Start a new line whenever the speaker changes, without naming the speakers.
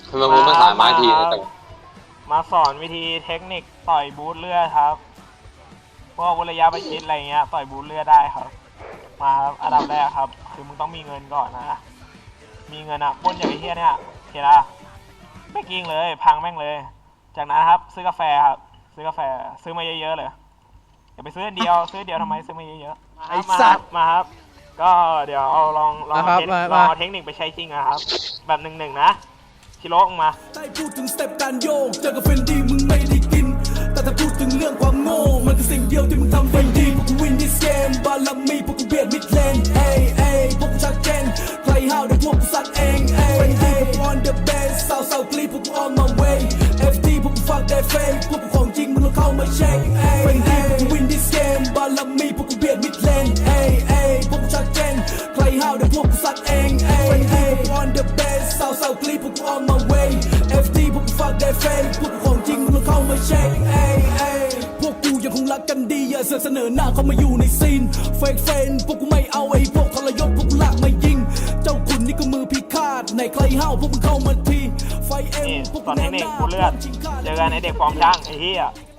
ทำไมมึงไม่ขายไม้ทีนะแต่
มาสอนวิธีเทคนิคต่อยบูทเลือดครับพวกระยะประชิดอะไรเงี้ยต่อยบูทเลือดได้ครับมาครับอันดับแรกครับคือมึงต้องมีเงินก่อนนะมีเงินอะปล้นอย่างไอ้เหี้ยเนี่ยเห็นละไม่กิ้งเลยพังแม่งเลยจากนั้นครับซื้อกาแฟครับซื้อกาแฟซื้อมาเยอะๆเลยอย่าไปซื้อเดียวซื้อเดียวทำไมซื้อมาเยอะๆไอ้สัตว์มาครับก็เดี๋ยวเอาลองเอาเทคนิคไปใช้จริงนะครับแบบหนึ่งนะชิโร่ออกมา
ได้พูดถึงสเต็ปการโยกเจอกับเฟนดี้มึงไม่ได้กินแต่ถ้าพูดถึงเรื่องความโง่มันคือสิ่งเดียวที่มึงทำเฟนดี้พวกกูวินดิสเกมบาลามีพวกกูเบียดมิดเลนเอ้ยพวกกูชัดเจนใครห้าวเดี๋ยวพวกกูซัดเองเฟนดี้พวกกู on the base สาวกรีพวกกู on my way FT พวกกูฟังได้เฟกพวกกูของจริงมึงลองเข้ามาเช็คเฟนดี้พวกกูวินดิสเกมบาลามีพวกกูเบียดมิดเลนพวกกูชัดเจนใครห้าวเดี๋ยวพวกกูซัดเองเฟนดี้พวกกู on the base สาวกรีพวกกู on my way FT พวกกูฟังได้เฟกพวกกูของจริงมึงลองเข้ามาเช็คพวกกูยังคงรักกันดีอย่าเสนอหน้าเข้ามาอยู่ในซีนเฟกเฟนพวกกูไม่เอาไอ้พวกทรยศพวกกูลากมายิงเจ้าขุนนี่ก็มือพิฆาตในใครห้าวพวกมึงเข้ามาทีไฟเอ็มพวกกู
ตอนนี้เด็กกูเลือดเจอกันไอเด็กฟอร์มช่างไอ้เหี้ย